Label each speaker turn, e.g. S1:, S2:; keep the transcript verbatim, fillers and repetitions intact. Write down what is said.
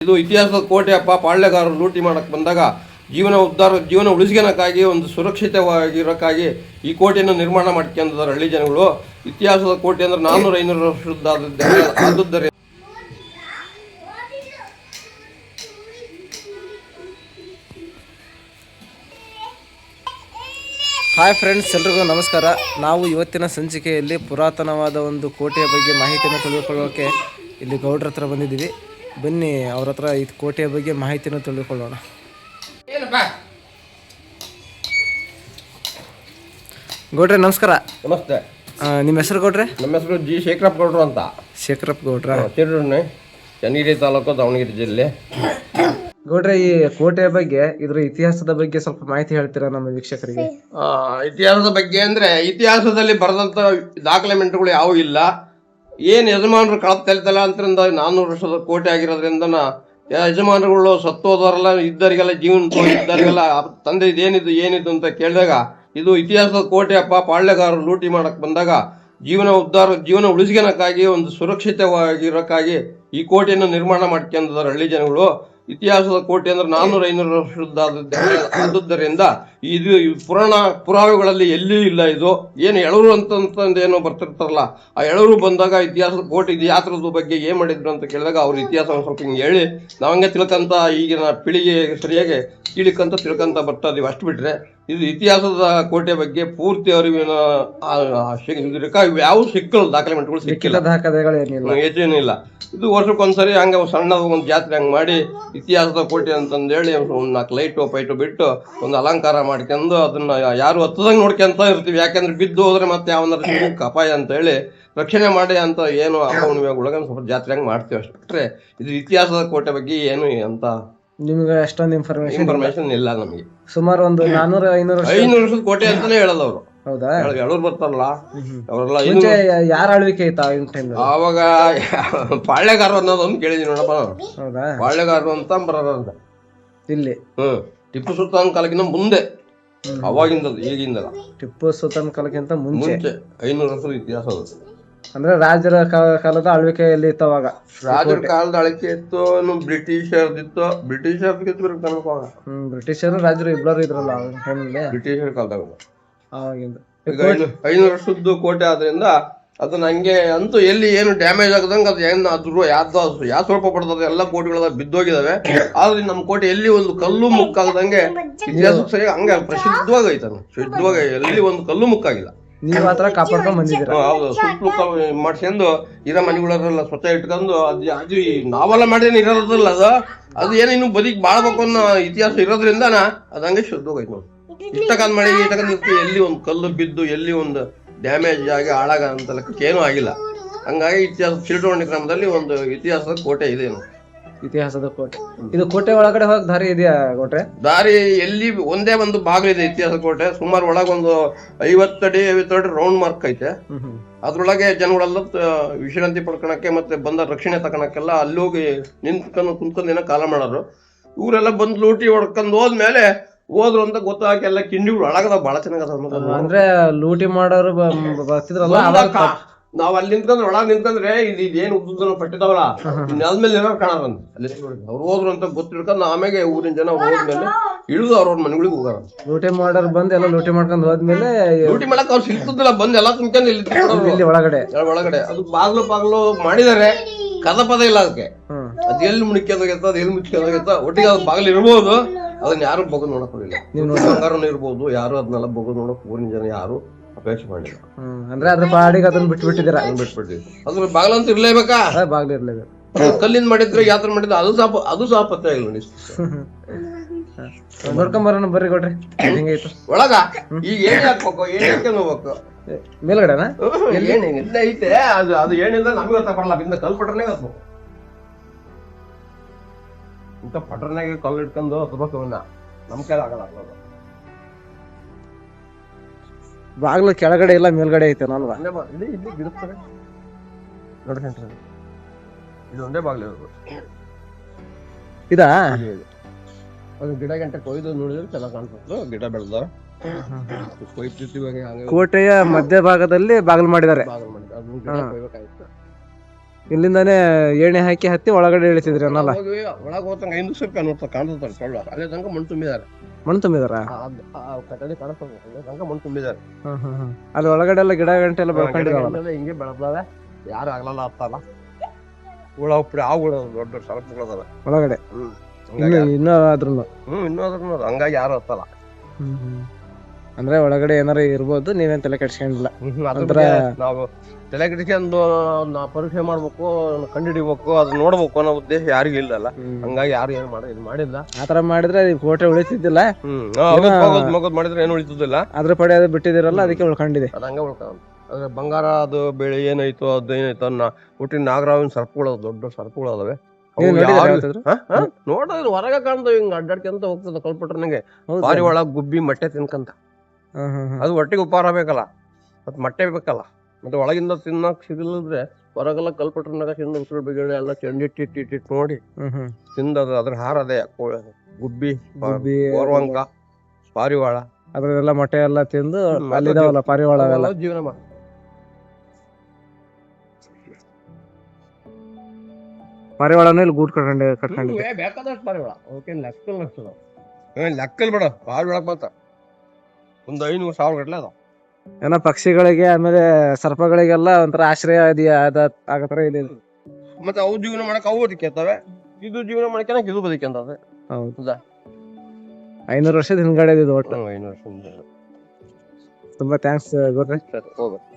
S1: ಇದು ಇತಿಹಾಸದ ಕೋಟೆ ಅಪ್ಪ. ಪಾಳ್ಯಗಾರರು ಲೂಟಿ ಮಾಡಕ್ಕೆ ಬಂದಾಗ ಜೀವನ ಉದ್ಧಾರ ಜೀವನ ಉಳಿಸ್ಕೊಳಕ್ಕಾಗಿ ಒಂದು ಸುರಕ್ಷಿತವಾಗಿರೋಕ್ಕಾಗಿ ಈ ಕೋಟೆಯನ್ನು ನಿರ್ಮಾಣ ಮಾಡ್ಕೊಂಡಿದ್ದಾರೆ ಹಳ್ಳಿ ಜನಗಳು. ಇತಿಹಾಸದ ಕೋಟೆ ಅಂದ್ರೆ ನಾನ್ನೂರ ಐನೂರು ವರ್ಷದ ಆದದ್ದರೆ
S2: ಹಾಯ್ ಫ್ರೆಂಡ್ಸ್, ಎಲ್ರಿಗೂ ನಮಸ್ಕಾರ. ನಾವು ಇವತ್ತಿನ ಸಂಚಿಕೆಯಲ್ಲಿ ಪುರಾತನವಾದ ಒಂದು ಕೋಟೆಯ ಬಗ್ಗೆ ಮಾಹಿತಿಯನ್ನು ತಿಳಿದುಕೊಳ್ಳೋಕೆ ಇಲ್ಲಿ ಗೌಡ್ರ ಹತ್ರ ಬಂದಿದ್ದೀವಿ. ಬನ್ನಿ ಅವ್ರ ಹತ್ರ ಈ ಕೋಟೆಯ ಬಗ್ಗೆ ಮಾಹಿತಿಯನ್ನು ತಿಳಿದುಕೊಳ್ಳೋಣ. ಗೌಡ್ರೆ ನಮಸ್ಕಾರ.
S1: ನಮಸ್ತೆ.
S2: ನಿಮ್ಮ ಹೆಸರು ಗೌಡ್ರೆ?
S1: ನಮ್ಮ ಹೆಸರು ಜಿ ಶೇಖರಪ್ಪ ಗೌಡ್ರು ಅಂತ.
S2: ಶೇಖರಪ್ಪ ಗೌಡ್ರ,
S1: ತಿರುಣ್ಣೆ, ಚನ್ನಗಿರಿ ತಾಲೂಕು, ದಾವಣಗೆರೆ ಜಿಲ್ಲೆ.
S2: ಗೌಡ್ರೆ, ಈ ಕೋಟೆಯ ಬಗ್ಗೆ, ಇದ್ರ ಇತಿಹಾಸದ ಬಗ್ಗೆ ಸ್ವಲ್ಪ ಮಾಹಿತಿ ಹೇಳ್ತೀರಾ ನಮ್ಮ ವೀಕ್ಷಕರಿಗೆ?
S1: ಇತಿಹಾಸದ ಬಗ್ಗೆ ಅಂದ್ರೆ ಇತಿಹಾಸದಲ್ಲಿ ಬರೆದಂತ ದಾಖಲೆಮೆಂಟ್ಗಳು ಯಾವೂ ಇಲ್ಲ. ಏನ್ ಯಜಮಾನರು ಕಳಪ್ ತೆಲ್ತಲ್ಲ ಅಂತರಿಂದ ನಾನ್ನೂರು ವರ್ಷದ ಕೋಟೆ ಆಗಿರೋದ್ರಿಂದ ಯಜಮಾನರುಗಳು ಸತ್ತೋದವರೆಲ್ಲ ಇದ್ದರಿಗೆಲ್ಲ ಜೀವನ ಇದ್ದರಿಗೆಲ್ಲ ತಂದೆ ಇದೇನಿದು ಏನಿದು ಅಂತ ಕೇಳಿದಾಗ ಇದು ಇತಿಹಾಸದ ಕೋಟೆ ಅಪ್ಪ. ಪಾಳ್ಯಗಾರರು ಲೂಟಿ ಮಾಡಕ್ ಬಂದಾಗ ಜೀವನ ಉದ್ಧಾರ ಜೀವನ ಉಳಿಸ್ಕೊಳಕ್ಕಾಗಿ ಒಂದು ಸುರಕ್ಷಿತವಾಗಿರೋಕ್ಕಾಗಿ ಈ ಕೋಟೆಯನ್ನು ನಿರ್ಮಾಣ ಮಾಡ್ಕೊಂಡಿದ್ದಾರೆ ಹಳ್ಳಿ ಜನಗಳು. ಇತಿಹಾಸದ ಕೋಟೆ ಅಂದ್ರೆ ನಾನ್ನೂರ ಐನೂರು ವರ್ಷದ ಆದದ್ದರಿಂದ ಇದು ಪುರಾಣ ಪುರಾವೆಗಳಲ್ಲಿ ಎಲ್ಲಿಯೂ ಇಲ್ಲ. ಇದು ಏನು ಎಳರು ಅಂತಂದು ಏನೋ ಬರ್ತಿರ್ತಾರಲ್ಲ, ಆ ಎಳರು ಬಂದಾಗ ಇತಿಹಾಸದ ಕೋಟೆ ಇದು ಯಾತ್ರದ ಬಗ್ಗೆ ಏನ್ ಮಾಡಿದ್ರು ಅಂತ ಕೇಳಿದಾಗ ಅವ್ರ ಇತಿಹಾಸ ಒಂದು ಸ್ವಲ್ಪ ಹಿಂಗೆ ಹೇಳಿ ನಾವಂಗೆ ತಿಳ್ಕಂತ ಈಗಿನ ಪೀಳಿಗೆ ಸರಿಯಾಗಿ ತಿಳಿಕಂತ ತಿಳ್ಕಂತ ಬರ್ತಾ ಇದೀವಿ. ಅಷ್ಟು ಬಿಟ್ರೆ ಇದು ಇತಿಹಾಸದ ಕೋಟೆ ಬಗ್ಗೆ ಪೂರ್ತಿ ಅರಿವಿನ ಯಾವ ಸಿಕ್ಕಲ್ಲ, ದಾಖಲೆಮೆಂಟ್ಗಳು ಸಿಕ್ಕಿಲ್ಲ, ಏನೇನಿಲ್ಲ. ಇದು ವರ್ಷಕ್ಕೊಂದ್ಸರಿ ಹಂಗ ಸಣ್ಣ ಒಂದು ಜಾತ್ರೆ ಹಂಗೆ ಮಾಡಿ ಇತಿಹಾಸದ ಕೋಟೆ ಅಂತಂದೇಳಿ ಒಂದು ನಾಲ್ಕು ಲೈಟು ಪೈಟು ಬಿಟ್ಟು ಒಂದು ಅಲಂಕಾರ ಮಾಡ್ಕೊಂಡು ಅದನ್ನ ಯಾರು ಹತ್ತದಂಗೆ ನೋಡ್ಕೊಂತ ಇರ್ತೀವಿ. ಯಾಕೆಂದ್ರೆ ಬಿದ್ದು ಹೋದ್ರೆ ಮತ್ತೆ ಯಾವನಾರ ಅಪಾಯ ಅಂತ ಹೇಳಿ ರಕ್ಷಣೆ ಮಾಡಿ ಅಂತ ಏನು ಹುಣ್ಣಿಮೆಗೊಳಗ ಸ್ವಲ್ಪ ಜಾತ್ರೆ ಹಂಗೆ ಮಾಡ್ತೀವಿ. ಅಷ್ಟು ಬಿಟ್ರೆ ಇದು ಇತಿಹಾಸದ ಕೋಟೆ ಬಗ್ಗೆ ಏನು ಅಂತ
S2: ನಿಮ್ಗೆ ಅಷ್ಟೊಂದು ಇನ್ಫಾರ್ಮೇಶನ್
S1: ಇನ್ಫಾರ್ಮೇಶನ್ ಇಲ್ಲ ನಮಗೆ.
S2: ಸುಮಾರು ಒಂದು ನಾನೂರ ಐನೂರು
S1: ಐನೂರು ವರ್ಷದ ಕೋಟೆ ಅಂತಾನೆ ಹೇಳಲ್ಲ ಅವರು.
S2: ಹೌದಾ?
S1: ಎಳೂರು ಬರ್ತಾರಲ್ಲ ಅವರೆಲ್ಲ
S2: ಯಾರ ಆಳ್ವಿಕೆ ಐತಾ
S1: ಆವಾಗ ಪಾಳ್ಯಗಾರರು ಅನ್ನೋದೊಂದು ಕೇಳಿದೀನಿ ನೋಡಪ್ಪ.
S2: ಹೌದಾ?
S1: ಪಾಳ್ಯಗಾರರು ಅಂತ ಬರೋದ ಅಂತ
S2: ಇಲ್ಲಿ.
S1: ಹ್ಮ್ ಟಿಪ್ಪು ಸುಲ್ತಾನ್ ಕಾಲಕ್ಕಿಂತ ಮುಂದೆ, ಅವಾಗಿಂದ ಈಗಿಂದ.
S2: ಟಿಪ್ಪು ಸುಲ್ತಾನ್ ಕಾಲಕ್ಕಿಂತ ಮುಂಚೆ
S1: ಐನೂರು ವರ್ಷದ ಇತಿಹಾಸ ಅದು.
S2: ಅಂದ್ರೆ ರಾಜರ ಕಾಲದ ಆಳ್ವಿಕೆಯಲ್ಲಿ ಇತ್ತು ಅವಾಗ.
S1: ರಾಜರ ಕಾಲದ ಆಳ್ವಿಕೆ ಇತ್ತು, ಬ್ರಿಟಿಷರ್ದಿತ್ತು. ಬ್ರಿಟಿಷರ್
S2: ಹ್ಮ್ ಬ್ರಿಟಿಷರು ರಾಜರು ಇಬ್ಬರು ಇದ್ರಲ್ಲ
S1: ಬ್ರಿಟಿಷರ್ ಕಾಲದಾಗ
S2: ಅವಾಗಿಂದ.
S1: ಐನೂರು ವರ್ಷದ್ದು ಕೋಟೆ ಆದ್ರಿಂದ ಅದನ್ನ ಹಂಗೆ ಅಂತೂ ಎಲ್ಲಿ ಏನು ಡ್ಯಾಮೇಜ್ ಆಗದಂಗ ಅದು ಏನ್ ಅದ್ರ ಯಾವ್ದು ಯಾವ ಸ್ವಲ್ಪ ಪಡ್ತದೆ ಎಲ್ಲ ಕೋಟೆಗಳ ಬಿದ್ದೋಗಿದಾವೆ. ಆದ್ರೆ ನಮ್ಮ ಕೋಟೆ ಎಲ್ಲಿ ಒಂದು ಕಲ್ಲು ಮುಕ್ಕಾಗದಂಗೆ ಇತಿಹಾಸ ಸರಿ ಹಂಗೆ ಪ್ರಸಿದ್ಧವಾಗಿ ಐತಾನ. ಶುದ್ಧವಾಗಿ ಎಲ್ಲಿ ಒಂದು ಕಲ್ಲು ಮುಕ್ಕಾಗಿಲ್ಲ.
S2: ನೀವು ಆತರ ಕಾಪಾಡ್ಕೊಂಡ್ ಬಂದಿದ್ದೀರ.
S1: ಹೌದು, ಸುತ್ತಲೂ ಮಾಡ್ಸ್ಕೊಂಡು ಇರೋ ಮನೆಗಳೆಲ್ಲ ಸ್ವಚ್ಛ ಇಟ್ಕೊಂಡು ಅದು ಅದು ನಾವೆಲ್ಲ ಮಾಡೇನು ಇರೋದಿಲ್ಲ. ಅದು ಅದು ಏನೋ ಇನ್ನು ಬದುಕಿ ಬಾಳ್ಬೇಕು ಅನ್ನೋ ಇತಿಹಾಸ ಇರೋದ್ರಿಂದ ಅದು ಹಂಗೆ ಶುದ್ಧವಾಗೈತೆ ನೋಡಿ. ಇಷ್ಟಕ್ಕಂದ್ ಮಾಡಿ ಇಷ್ಟಕ್ಕಂದ್ ಇರ್ತೀವಿ, ಎಲ್ಲಿ ಒಂದು ಕಲ್ಲು ಬಿದ್ದು ಎಲ್ಲಿ ಒಂದು ಡ್ಯಾಮೇಜ್ ಆಗಿ ಹಾಳಾಗ ಅಂತ ಲೆಕ್ಕಕ್ಕೆ ಏನೂ ಆಗಿಲ್ಲ. ಹಂಗಾಗಿ ಇತಿಹಾಸ ಚಿಲ್ಟೋಣಿ ಕ್ರಮದಲ್ಲಿ ಒಂದು ಇತಿಹಾಸದ ಕೋಟೆ ಇದೆ.
S2: ಇತಿಹಾಸದ ಕೋಟೆ. ಇದು ಕೋಟೆ ಒಳಗಡೆ ಹೋಗಕ್ ದಾರಿ ಇದೆಯಾ ಕೋಟೆ?
S1: ದಾರಿ ಎಲ್ಲಿ ಒಂದೇ ಒಂದು ಬಾಗಿಲಿದೆ ಇತಿಹಾಸ ಕೋಟೆ. ಸುಮಾರು ಒಳಗೊಂದು ಐವತ್ತಡಿ ಐವತ್ತಡಿ ರೌಂಡ್ ಮಾರ್ಕ್ ಐತೆ. ಅದ್ರೊಳಗೆ ಜನಗಳೆಲ್ಲ ವಿಶ್ರಾಂತಿ ಪಡ್ಕೊಳಕ್ಕೆ ಮತ್ತೆ ಬಂದ ರಕ್ಷಣೆ ತಗೊಳಕ್ಕೆಲ್ಲ ಅಲ್ಲಿ ಹೋಗಿ ನಿಂತ್ಕೊಂಡು ಕುಂತ್ಕೊಂಡು ಏನೋ ಕಾಲ ಮಾಡೋರು. ಇವರೆಲ್ಲ ಬಂದು ಲೂಟಿ ಹೊಡ್ಕೊಂಡು ಹೋದ್ಮೇಲೆ ಹೋದ್ರು ಅಂತ ಗೊತ್ತಾಗ ಎಲ್ಲ ಕಿಂಡಿಗಳು ಒಳಗದ ಬಹಳ ಚೆನ್ನಾಗದ.
S2: ಅಂದ್ರೆ ಲೂಟಿ ಮಾಡೋರು ಬರ್ತಿದ್ರಲ್ಲ,
S1: ನಾವ್ ಅಲ್ಲಿ ನಿಂತ್ಕೊಂಡ್ರೆ ಒಳಗ್ ನಿಂತ್ಕೊಂಡ್ರೆ ಇದು ಇದೇನು ಉದ್ದ ಪಟ್ಟಿದಾವಲ್ಲ ನೆಲದ್ಮೇಲೆ ಏನೋ ಕಾಣಾರಂತ. ಅಲ್ಲಿ ಅವ್ರು ಹೋದ್ರು ಅಂತ ಗೊತ್ತಿಡ್ಕೊಂಡು ಆಮೇಲೆ ಊರಿನ ಜನ ಹೋದ್ಮೇಲೆ ಇಳಿದು ಅವ್ರವ್ರ ಮನೆಗಳಿಗೆ ಹೋಗಾರ.
S2: ಲೂಟಿ ಮಾಡೋರು ಬಂದು ಎಲ್ಲ ಲೂಟಿ ಮಾಡ್ಕೊಂಡು ಹೋದ್ಮೇಲೆ
S1: ಲೂಟಿ ಮಾಡಕ್ ಅವ್ರು ಸಿಗ್ತದಿಲ್ಲ, ಬಂದ್ ಎಲ್ಲ ತುಂಬ್ಕೊಂಡು ಇಲ್ಲಿ
S2: ಒಳಗಡೆ
S1: ಒಳಗಡೆ ಅದು ಬಾಗ್ಲು ಬಾಗ್ಲು ಮಾಡಿದಾರೆ. ಕದ ಪದ ಇಲ್ಲ ಅದಕ್ಕೆ. ಅದ್ ಎಲ್ಲಿ ಮುಣಿಕ್ಯದಾಗತ್ತ ಅದ್ ಎಲ್ಲಿ ಮುಚ್ಕೊಂಡಾಗತ್ತ. ಒಟ್ಟಿಗೆ ಅದ್ ಬಾಗ್ಲು ಇರ್ಬೋದು, ಅದನ್ನ ಯಾರು ಬಗ್ದು ನೋಡಕ್ ಹೋಗಿಲ್ಲ. ಬಂಗಾರನು ಇರ್ಬೋದು, ಯಾರು ಅದನ್ನೆಲ್ಲ ಬಗ್ದು ನೋಡಕ್ ಊರಿನ ಜನ ಯಾರು ಅಪೇಕ್ಷೆ ಮಾಡಿಲ್ಲ.
S2: ಅಂದ್ರೆ ಅದ್ರ ಪಾಡಿಗೆ ಅದನ್ನ ಬಿಟ್ಟು ಬಿಟ್ಟಿದ್ದೀರ.
S1: ಬಿಟ್ಬಿಟ್ಟಿದ್ವಿ. ಅದ್ರ ಬಾಗ್ಲಂತೂ ಇರ್ಲೇಬೇಕಾ?
S2: ಬಾಗ್ಲು ಇರ್ಲೇಬೇಕು.
S1: ಕಲ್ಲಿಂದ ಮಾಡಿದ್ರೆ ಯಾತ್ರ ಮಾಡಿದ್ರೆ ಅದು ಸಾಪ ಅದು ಸಹ ಪತ್ತೆ ಆಗಿಲ್ಲ.
S2: ನೋಡ್ಕೊಂಬರೋಣ ಬರ್ರಿ ಕೊಡ್ರಿ. ಹೆಂಗೈತು
S1: ಒಳಗ? ಈಗ ಏಣಿ ಹಾಕ್ಬೇಕು, ಏಣಿ ಹಾಕ್ಕೊಂಡು ಹೋಗ್ಬೇಕು
S2: ಮೇಲ್ಗಡೆನಾ?
S1: ಏಣಿ ಇಲ್ಲ ಐತೆ. ಅದು ಅದು ಏನಿಲ್ಲ ನಮ್ಗೆ ಗೊತ್ತಾಗಲ್ಲ. ಬಿಂದ ಕಲ್ ಪಟ್ರನೇ ಹತ್ಬೇಕು. ಇಂಥ ಪಟ್ರನಾಗ ಕಲ್ಲು ಇಟ್ಕೊಂಡು ಹತ್ಬೇಕು. ಅವನ್ನ ನಮ್ ಕೈಲಿ ಆಗಲ್ಲ.
S2: ಬಾಗ್ಲು ಕೆಳಗಡೆ ಇಲ್ಲ ಮೇಲ್ಗಡೆ ಐತೆ ಅಲ್ವಾ?
S1: ಇಲ್ಲಿ ಇಲ್ಲಿ ಗಿಡಸ್ತಾರೆ ನೋಡ್ರಿ. ಇದು ಒಂದೇ ಬಾಗ್ಲು ಇರೋದು.
S2: ಇದಾ?
S1: ಅದು ಗಿಡ ಗಂಟೆ ಕೊಯ್ದು ನೋಡಿದ್ರೆ ಚೆನ್ನಾಗಿ ಕಾಣ್ತದೆ. ಗಿಡ ಬೆಳೆದ
S2: ಕೋಟೆಯ ಮಧ್ಯ ಭಾಗದಲ್ಲಿ ಬಾಗಿಲು ಮಾಡಿದ್ದಾರೆ.
S1: ಬಾಗಿಲು ಮಾಡಿದ್ದಾರೆ. ಅದನ್ನ ಗಿಡ ಕೊಯ್ಬೇಕಾಯ್ತು.
S2: ಇಲ್ಲಿಂದಾನೇ ಏಣಿ ಹಾಕಿ ಹತ್ತಿ ಒಳಗಡೆ ಇಳಿತಿದ್ರಿ ಅನ್ನಲ್ಲ.
S1: ಒಳಗೆ ಹೋಗ್ತಂಗ ಐದು ರೂಪಾಯಿ ನೋಡ್ತಾ ಕಾಣಿಸ್ತಾರೆ ಟೊಳ್ಳು ಅಲ್ಲೇ ತನಕ ಮಣ್ಣು ತುಂಬಿದ್ದಾರೆ.
S2: ಮಣ್ಣು ತುಂಬಿದಾರ
S1: ಕಟ್ಟಡಿ ಕಾಣಿಸ್ತದೆ ಅಲ್ಲೇ ತನಕ ಮಣ್ಣು ತುಂಬಿದ್ದಾರೆ.
S2: ಹ್ಮ್ ಹ್ಮ್ ಹ್ಮ್ ಅಲ್ಲಿ ಒಳಗಡೆ ಎಲ್ಲ ಗಿಡ ಗಂಟೆ ಎಲ್ಲ ಬೆಳ್ಕೊಂಡಿದಾವಲ್ಲ.
S1: ಗಿಡಗಂಟೆಲ್ಲ ಹಿಂಗೆ ಬೆಳೆದಾವೆ, ಯಾರು ಆಗ್ಲಲ್ಲ ಹತ್ತಲ್ಲ. ಹುಳ ಉಪ್ಪಡಿ ಆ ಹುಳ ದೊಡ್ಡ ದೊಡ್ಡ ಸರಪುಗಳದಾವೆ
S2: ಒಳಗಡೆ.
S1: ಹ್ಮ್
S2: ಇನ್ನು ಇನ್ನೂ ಆದ್ರೂ
S1: ಹ್ಮ್ ಇನ್ನೂ ಅದ್ರ ಹಂಗಾಗಿ ಯಾರು ಹತ್ತಲ್ಲ.
S2: ಹ್ಮ್ ಹ್ಮ್ ಅಂದ್ರೆ ಒಳಗಡೆ ಏನಾರ ಇರ್ಬೋದು, ನೀವೇನ್ ತಲೆ ಕೆಡ್ಸ್ಕೊಂಡಿಲ್ಲ.
S1: ಅದ್ರ ಬಗ್ಗೆ ನಾವು ತಲೆ ಕೆಡಿಸ್ಕೊಂಡು ನಾ ಪರೀಕ್ಷೆ ಮಾಡ್ಬೇಕು, ಕಂಡುಹಿಡಿಬೇಕು, ಅದು ನೋಡ್ಬೇಕು ಅನ್ನೋ ಉದ್ದೇಶ ಯಾರಿಗೂ ಇಲ್ಲಲ್ಲ. ಹಂಗಾಗಿ ಯಾರು ಏನ್ ಮಾಡ ಇದು ಮಾಡಿಲ್ಲ.
S2: ಆತರ ಮಾಡಿದ್ರೆ ಈ ಕೋಟೆ ಉಳಿತಿದ್ದಿಲ್ಲ.
S1: ಹ್ಮ್ ಹೋಗೋದ್ ಮಗೋದ್ ಮಾಡಿದ್ರೆ ಏನು ಉಳಿತದಿಲ್ಲ.
S2: ಅದ್ರ ಪಡೆ ಅದು ಬಿಟ್ಟಿದಿರಲ್ಲ, ಅದಕ್ಕೆ ಉಳ್ಕೊಂಡಿದೆ.
S1: ಅದ ಹಂಗ ಉಳ್ಕೊಂಡ್ ಅದ್ರ ಬಂಗಾರ ಅದು ಬೆಳೆ ಏನಾಯ್ತು ಅದು ಏನಾಯ್ತು ಅನ್ನ ಹುಟ್ಟಿನ ನಾಗರಾವಿನ ಸರ್ಪಗಳು ದೊಡ್ಡ ಸರ್ಪಗಳು ಅದಾವೆ. ನೋಡಿದ್ರೆ ಹೊರಗ ಕಾಣ್ತಾವ, ಹಿಂಗ ಅಡ್ಡಾಡ್ಕೊಂತ ಹೋಗ್ತದ ಕಲ್ಪಟ್ರ ನಂಗೆ. ಬಾರಿ ಒಳಗ್ ಗುಬ್ಬಿ ಮೊಟ್ಟೆ ತಿನ್ಕಂತ, ಅದು ಹೊಟ್ಟೆಗೆ ಉಪಹಾರ ಬೇಕಲ್ಲ, ಮತ್ ಮೊಟ್ಟೆ ಬೇಕಲ್ಲ. ಮತ್ತೆ ಒಳಗಿಂದ ತಿನ್ನಕ್ ಸಿಗಲಿದ್ರೆ ಹೊರಗೆಲ್ಲ ಕಲ್ಪಟ್ರನಾಗ ತಿಂದ ಉಸಿರು ಬಿಗಿಳೆ ಎಲ್ಲ ಚೆಂಡಿಟ್ಟಿಟ್ಟಿಟ್ಟು ನೋಡಿ ತಿಂದದ ಅದ್ರ ಹಾರ ಅದೇ ಗುಬ್ಬಿ,
S2: ಗುಬ್ಬಿ,
S1: ಗೋರ್ವಂಕ, ಪಾರಿವಾಳ
S2: ಅದ್ರೆಲ್ಲ ಮೊಟ್ಟೆ ಎಲ್ಲ ತಿಂದು ಅಲ್ಲಿದಾವಲ್ಲ ಪಾರಿವಾಳ
S1: ಜೀವನ ಮಾಡ.
S2: ಪಾರಿವಾಳನೂ ಇಲ್ಲಿ ಗೂಡ್ ಕಟ್ಕೊಂಡೆ ಕಟ್ಕೊಂಡಿದೆ.
S1: ಬೇಕಾದಷ್ಟು ಪಾರಿವಾಳ ಅವಕ್ಕೇನ್ ಲೆಕ್ಕಲ್ ನಡ್ಸದ ಲೆಕ್ಕಲ್ ಬೇಡ. ಪಾರಿವಾಳ ಮಾತ್ರ ಒಂದ್ ಐನೂರು ಸಾವಿರ ಗಟ್ಲೆ ಅದಾವ.
S2: ಏನೋ ಪಕ್ಷಿಗಳಿಗೆ ಆಮೇಲೆ ಸರ್ಪಗಳಿಗೆಲ್ಲ ಒಂಥರ ಆಶ್ರಯ ಇದೆಯಾ ಆಗತ್ರ ಇದೆ.
S1: ಮತ್ತೆ ಅವು ಜೀವನ ಮಾಡಕ್ ಅವು ಬದುಕೇತವೆ, ಇದು ಜೀವನ ಮಾಡಕ್ಕೆ ಇದು ಬದುಕಂತದೆ.
S2: ಹೌದಾ? ಐನೂರು ವರ್ಷದ ಹಿಂದ್ಗಡೆ ಇದು ಒಟ್ಟು.
S1: ಐನೂರು ವರ್ಷ
S2: ತುಂಬಾ ಥ್ಯಾಂಕ್ಸ್ ಗುರ್ರೆ.
S1: ಹೋಗ